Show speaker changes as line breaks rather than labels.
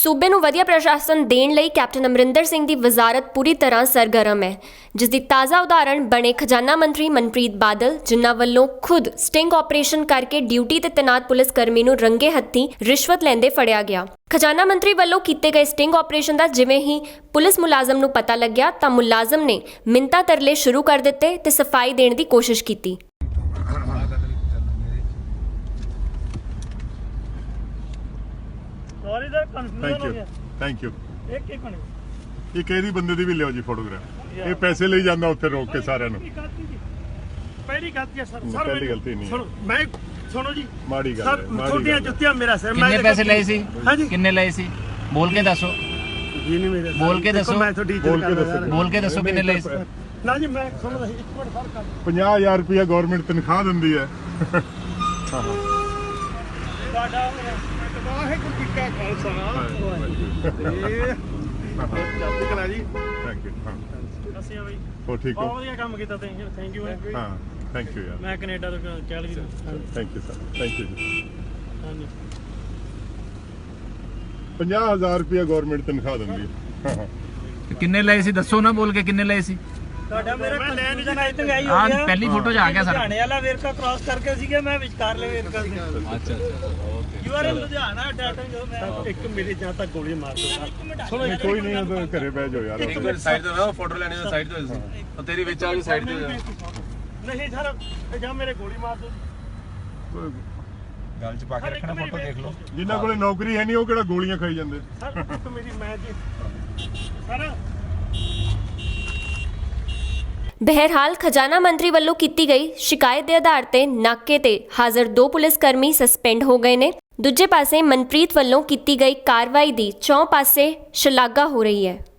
सूबे ਨੂੰ ਵਧੀਆ ਪ੍ਰਸ਼ਾਸਨ ਦੇਣ ਲਈ ਕੈਪਟਨ ਅਮਰਿੰਦਰ ਸਿੰਘ ਦੀ ਵਜ਼ਾਰਤ ਪੂਰੀ ਤਰ੍ਹਾਂ ਸਰਗਰਮ ਹੈ, ਜਿਸ ਦੀ ਤਾਜ਼ਾ ਉਦਾਹਰਣ ਬਣੇ ਖਜ਼ਾਨਾ ਮੰਤਰੀ ਮਨਪ੍ਰੀਤ ਬਾਦਲ, ਜਿਨ੍ਹਾਂ ਵੱਲੋਂ ਖੁਦ ਸਟਿੰਗ ਆਪਰੇਸ਼ਨ ਕਰਕੇ ਡਿਊਟੀ ਤੇ ਤੈਨਾਤ ਪੁਲਿਸ ਕਰਮੀ ਨੂੰ ਰੰਗੇ ਹੱਥੀਂ ਰਿਸ਼ਵਤ ਲੈਂਦੇ ਫੜਿਆ ਗਿਆ। ਖਜ਼ਾਨਾ ਮੰਤਰੀ ਵੱਲੋਂ ਕੀਤੇ ਗਏ ਸਟਿੰਗ ਆਪਰੇਸ਼ਨ ਦਾ ਜਿਵੇਂ ਹੀ ਪੁਲਿਸ ਮੁਲਾਜ਼ਮ ਨੂੰ ਪਤਾ ਲੱਗਿਆ ਤਾਂ ਮੁਲਾਜ਼ਮ ਨੇ ਮਿੰਨਤਾਂ ਤਰਲੇ ਸ਼ੁਰੂ ਕਰ ਦਿੱਤੇ ਤੇ ਸਫਾਈ ਦੇਣ ਦੀ ਕੋਸ਼ਿਸ਼ ਕੀਤੀ।
सॉरी सर, कंफ्यूजन हो गया।
Thank you.
एक मिनट,
ਇਹ ਕਿਹੜੀ ਬੰਦੇ ਦੀ ਵੀ ਲਿਓ ਜੀ ਫੋਟੋਗ੍ਰਾਫ। ਇਹ ਪੈਸੇ ਲਈ ਜਾਂਦਾ ਉੱਥੇ ਰੋਕ ਕੇ ਸਾਰਿਆਂ ਨੂੰ।
पहली गलती है सर।
पहली गलती नहीं है।
सुनो, मैं सुनो जी,
ਮਾੜੀ ਗੱਲ
सर
ਹੈ,
छोटियां जुत्तियां मेरा सर।
किन्ने पैसे लए सी?
हाँ जी,
किन्ने लए सी? बोल के दसो,
ये नहीं मेरे।
बोल के दसो,
मैं तो डीजल
बोल के
कर
दसो।
रहा
बोल के दसो किन्ने लए सी?
ना जी, मैं सुन रहा एक मिनट सर कर
50,000 ਰੁਪਇਆ ਗਵਰਨਮੈਂਟ ਤਨਖਾਹ ਦਿੰਦੀ ਹੈ।
साडा वाहिगुरू जी का खालसा चढ़ती कला जी।
Thank you. ਹਾਂ
ਅਸੀਂ ਬਈ
ਹੋ ਠੀਕ
ਬਹੁਤ
ਹੋ?
ਵਧੀਆ ਕੰਮ ਕੀਤਾ ਤੁਸੀਂ। Thank you.
ਹਾਂ ਥੈਂਕ ਯੂ ਯਾਰ।
ਮੈਂ ਕੈਨੇਡਾ ਤੋਂ ਕੈਲਗਰੀ ਤੋਂ।
Thank you sir, thank you ਜੀ।
ਹਾਂਜੀ,
50,000 ਰੁਪਇਆ ਗਵਰਨਮੈਂਟ ਤਨਖਾਹ ਦਿੰਦੀ ਹੈ।
किन्ने लए सी? दसो ना, बोल के किन्ने लए सी?
ਤੁਹਾਡਾ ਮੇਰਾ ਕਨਫਿਊਜ਼ਨ ਆਈ ਤੱਕ ਆਈ ਹੋ
हाँ
ਗਿਆ।
पहली फोटो च आ गया सर।
ਲੁਧਿਆਣੇ ਵਾਲਾ ਵੇਰਕਾ ਕ੍ਰਾਸ ਕਰਕੇ ਸੀਗਾ, ਮੈਂ ਵਿਚਕਾਰਲੇ ਵੇਰਕਾ ਸੀ।
अच्छा
you are in Ludhiana data ਜੋ ਮੈਂ ਇੱਕ ਮੇਰੇ ਜਾਂ ਤੱਕ ਗੋਲੀ ਮਾਰ ਦੋ। ਸੁਣੋ
ਨਹੀਂ, ਕੋਈ ਨਹੀਂ, ਉਹ ਤਾਂ ਘਰੇ ਬਹਿ ਜਾਓ ਯਾਰ।
ਇੱਕ ਮਿੰਟ ਸਾਈਡ ਤੋਂ ਨਾ ਫੋਟੋ ਲੈਣੀ ਹੈ, ਸਾਈਡ ਤੋਂ ਸੀ ਉਹ ਤੇਰੀ ਵਿੱਚ ਆ ਗਈ, ਸਾਈਡ ਤੇ ਹੋ ਜਾ।
ਨਹੀਂ ਸਰ, ਜਾਂ ਮੇਰੇ ਗੋਲੀ ਮਾਰ ਦੋ।
ਗੱਲ ਚ ਪਾ ਕੇ ਰੱਖਣਾ, ਫੋਟੋ ਦੇਖ ਲਓ।
ਜਿਨ੍ਹਾਂ ਕੋਲੇ ਨੌਕਰੀ ਹੈ ਨਹੀਂ ਉਹ ਕਿਹੜਾ ਗੋਲੀਆਂ ਖਾਈ ਜਾਂਦੇ।
ਸਰ ਇੱਕ ਮੇਰੀ ਮੈਂ ਜੀ ਸਰ।
ਬਹਿਰਹਾਲ ਖਜ਼ਾਨਾ ਮੰਤਰੀ ਵੱਲੋਂ ਕੀਤੀ ਗਈ ਸ਼ਿਕਾਇਤ ਦੇ ਆਧਾਰ ਤੇ ਨਾਕੇ ਤੇ ਹਾਜ਼ਰ 2 ਪੁਲਿਸ ਕਰਮੀ ਸਸਪੈਂਡ ਹੋ ਗਏ ਨੇ। ਦੂਜੇ ਪਾਸੇ ਮਨਪ੍ਰੀਤ ਵੱਲੋਂ ਕੀਤੀ ਗਈ ਕਾਰਵਾਈ ਦੀ ਚੌਂ ਪਾਸੇ ਸ਼ਲਾਘਾ ਹੋ ਰਹੀ ਹੈ।